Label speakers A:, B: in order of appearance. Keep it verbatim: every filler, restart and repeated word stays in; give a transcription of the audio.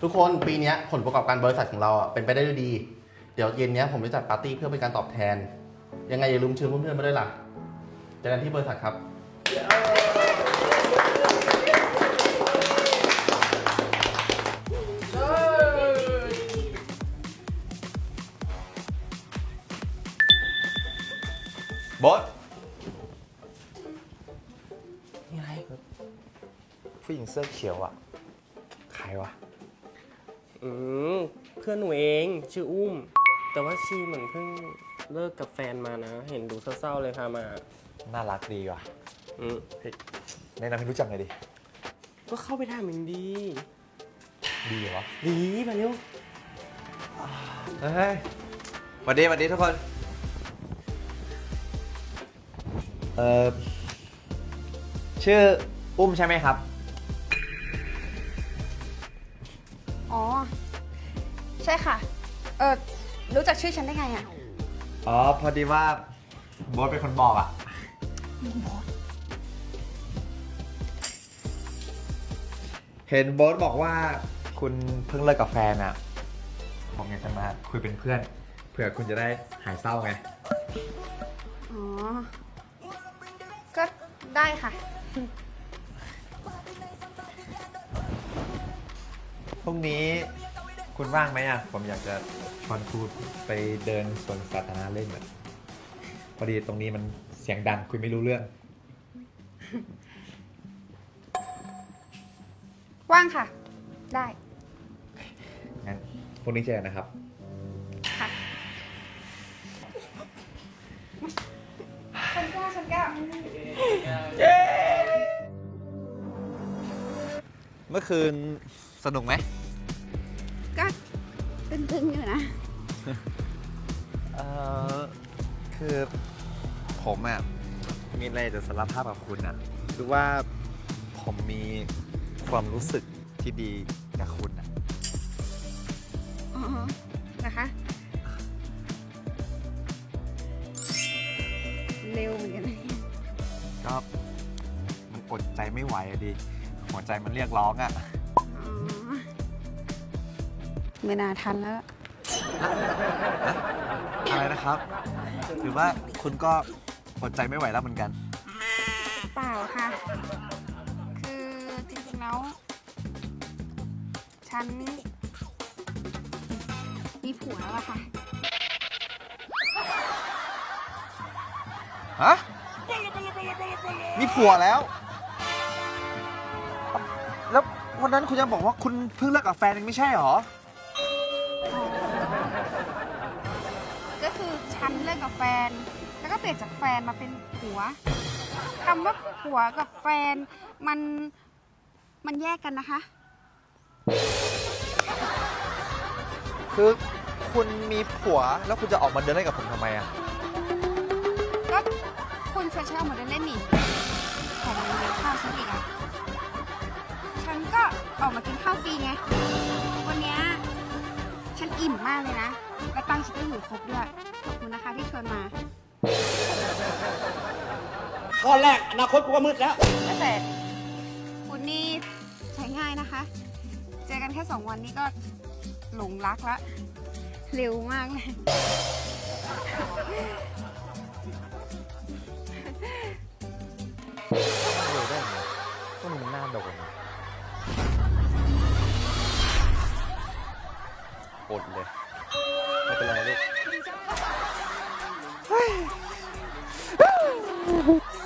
A: ทุกคนปีนี้ผลประกอบการบริษัทของเราอ่ะเป็นไปได้ด้วยดีเดี๋ยวเย็นนี้ผมจะจัดปาร์ตี้เพื่อเป็นการตอบแทนยังไงอย่าลืมเชิญเพื่อนๆมาด้วยล่ะเจอกันที่บริษัทครับบอสนี่อะไรผู้หญิงเสื้อเขียวอ่ะใครวะ
B: อืมเพื่อนหนูเองชื่ออุ้มแต่ว่าชีเหมือนเพิ่งเลิกกับแฟนมานะเห็นดูเศร้าๆเลยค่ะมา
C: น่ารักดีว่ะ
B: อืม
C: แนะนำให้รู้จักหน่อยดิ
B: ก็เข้าไปถามมันดี
C: ดีเหรอ
B: ดีมาเร็ว
C: เฮ้ยสวัสดีสวัสดีทุกคนเอ่อชื่ออุ้มใช่ไหมครับ
D: อ๋อใช่ค่ะเออรู้จักชื่อฉันได้ไงอ่ะ
C: อ๋อพอดีว่าโบ๊ทเป็นคนบอกอ่ะเห็นโบ๊ทบอกว่าคุณเพิ่งเลิกกับแฟนอ่ะผมอยากจะมาคุยเป็นเพื่อนเผื่อคุณจะได้หายเศร้าไง
D: อ๋อก็ได้ค่ะ
C: พรุ่งนี้คุณว่างไหมอ่ะผมอยากจะชวนคุณไปเดินสวนสาธารณะเล่นอ่ะพอดีตรงนี้มันเสียงดังคุยไม่รู้เรื่อง
D: ว่างค่ะได้
C: งั้นพรุ่งนี้เจอกันนะครับ
D: ค่ะฉันแก้วฉันแก้ว
C: เมื่อคืนสนุกไหม
D: ก็ตึงๆอยู่นะ
C: เอ่อคือผมอ่ะมีอะไรจะสารภาพกับคุณอ่ะคือว่าผมมีความรู้สึกที่ดีกับคุณอ่ะ
D: อ๋อนะคะเร็วเหมือนกัน
C: ก็มันอดใจไม่ไหวอะดิหัวใจมันเรียกร้องอ่ะ
D: ไม่น่าทันแล้ว
C: อะไรนะครับหรือว่าคุณก็อดใจไม่ไหวแล้วเหมือนกัน
D: เปล่าค่ะคือจริงๆแล้วฉันมีผัวแล้วอะค่ะ
C: ฮะมีผัวแล้วแล้ววันนั้นคุณยังบอกว่าคุณเพิ่งเลิกกับแฟนเองไม่ใช่หรอ
D: ก็คือฉันเลิกกับแฟนแล้วก็เปลี่ยนจากแฟนมาเป็นผัวคำว่าผัวกับแฟนมันมันแยกกันนะคะ
C: คือคุณมีผัวแล้วคุณจะออกมาเดินเล่นกับผมทำไมอ่ะ
D: ก็คุณชวนฉันออกมาเดินเล่นนี่แถมยังเลี้ยงข้าวฉันอีกอ่ะฉันก็ออกมากินข้าวฟรีไงวันนี้ฉันอิ่มมากเลยนะและตังค์ฉันก็อยู่ครบด้วยขอบคุณนะคะที่ชวนมา
E: ข้อแรกอนาคตกูก็มืดแล้ว
D: แต่คุณนี่ใช้ง่ายนะคะเจอกันแค่สองวันนี้ก็หลงรักแล้วเร็วมากเลย
C: เร็วได้ไงก็มันหน้าโดนอดเลยไม่เป็นไรลูก